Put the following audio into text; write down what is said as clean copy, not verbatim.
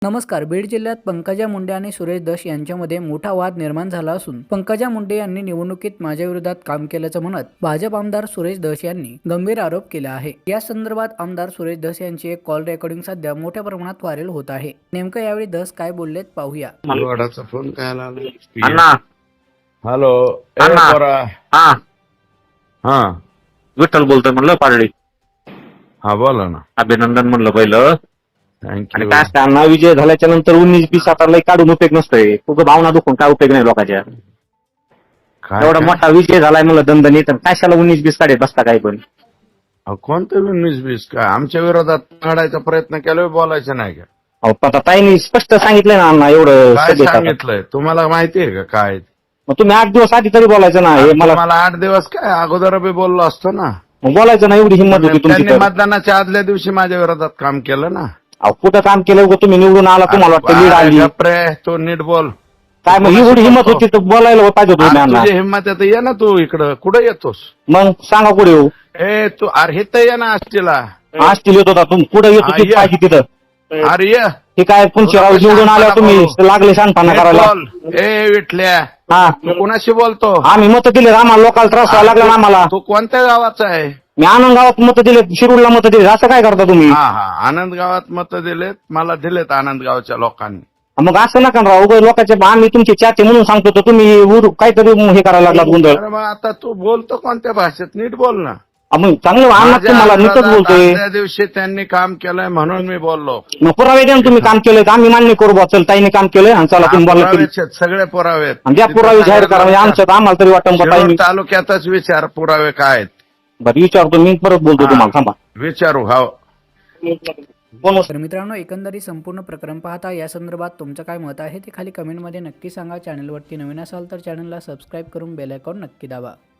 नमस्कार. बीड जिल्ह्यात पंकजा मुंडे आणि सुरेश धस यांच्यामध्ये मोठा वाद निर्माण झाला असून पंकजा मुंडे यांनी निवडणुकीत माझ्या विरोधात काम केल्याचं म्हणत भाजप आमदार सुरेश धस यांनी गंभीर आरोप केला आहे. या संदर्भात आमदार सुरेश धस यांची एक कॉल रेकॉर्डिंग सध्या मोठ्या प्रमाणात व्हायरल होत आहे. नेमकं यावेळी धस काय बोललेत पाहूया. वडाचा फोन काय आला अण्णा. हॅलो अण्णा. हा हा विठ्ठल बोलतोय म्हणलं पारडी. हा बोला ना. अभिनंदन म्हणलं पहिलं. आणि थँक्यू. काय असतं अण्णा, विजय झाल्याच्या नंतर 19-20 आता काढून उपयोग नसतोय. तुझं भावना दुखून काय उपयोग नाही लोकांच्या. काय एवढा मोठा विजय झालाय म्हणलं दणदणीत, तर कशाला 19-20 काढत बसता काय पण. कोणतं 19-20 काय आमच्या विरोधात काढायचा प्रयत्न केला, बोलायचं नाही का? अहो, आता ताईंनी स्पष्ट सांगितलंय ना अण्णा एवढं. काय सगळे सांगितलंय तुम्हाला माहितीये का काय? मग तुम्ही 8 दिवस आधी तरी बोलायचं ना. हे मला 8 दिवस काय अगोदर बी बोललो असतो ना. मग बोलायचं ना, एवढी हिंमत होती तुमची त्यांनी तर. मतदानाच्या आदल्या दिवशी माझ्या विरोधात काम केलं ना. अहो, कुठं काम केलं उगाच तुम्ही निवडून आला, तुम्हाला वाटतं लीड आली गप्रे, तो नीट बोल. काय. मग एवढी हिंमत होती तर बोलायला पाहिजे होतं आज अण्णा. तुझी हिंमत आहे तर ये ना तू इकडं. कुठं येतोस? मग सांगा कुठे येऊ. ए तू अरे हे तर ये ना आष्टीला. आज तिला येत होता तुम्ही, कुठे येतो हा, तिथं ये. पाहिजे तिथं. अरे ये. हे काय पुंचराव निवडून आल्यावर तुम्ही लागले शानपणा नीट करायला. बोल. ए विठल्या, हा, तू कोणाशी बोलतो? आम्ही मत दिले आम्हाला, लोकांना त्रास व्हायला लागला ना आम्हाला. तू कोणत्या गावाचा आहे? मी आनंद गावात मत दिले, शिरूरला मत दिले. असं काय करता तुम्ही? हा हा, आनंद गावात मत दिलेत, मला दिलेत आनंद गावच्या लोकांनी. मग असं नका राव. उगाच लोकांचे आम्ही तुमचे चाचे म्हणून सांगतो तर तुम्ही काहीतरी हे करायला लागलात गोंधळ. अरे मग आता तू बोलतो कोणत्या भाषेत? नीट बोल ना. मग चांगलं अन्नात माझ्या तुम्हाला नीटच विरोधात बोलतोय. आदल्या दिवशी त्यांनी काम केलंय म्हणून मी बोललो. मग पुरावे द्या ना, तुम्ही काम केलंय तर आम्ही मान्य करू बा. चल ताईने काम केलंय आणि चला तुम्ही बोला. पुरावेच आहेत, सगळे पुरावे आहेत. आणि ज्या पुरावे जाहीर करा म्हणजे आमच्यात आम्हाला तरी वाटतं का शिरूर ताईने. तालुक्यातच विचार पुरावे काय आहेत. बरं विचारतो मी, परत बोलतो तुम्हाला. थांबा. विचारू. हा तर मित्रांनो, एकंदरीत संपूर्ण प्रकरण पाहता या संदर्भात तुमचं काय मत आहे ते खाली कमेंटमध्ये नक्की सांगा. चॅनलवरती नवीन असाल तर चॅनलला सबस्क्राईब करून बेल आयकॉन नक्की दाबा.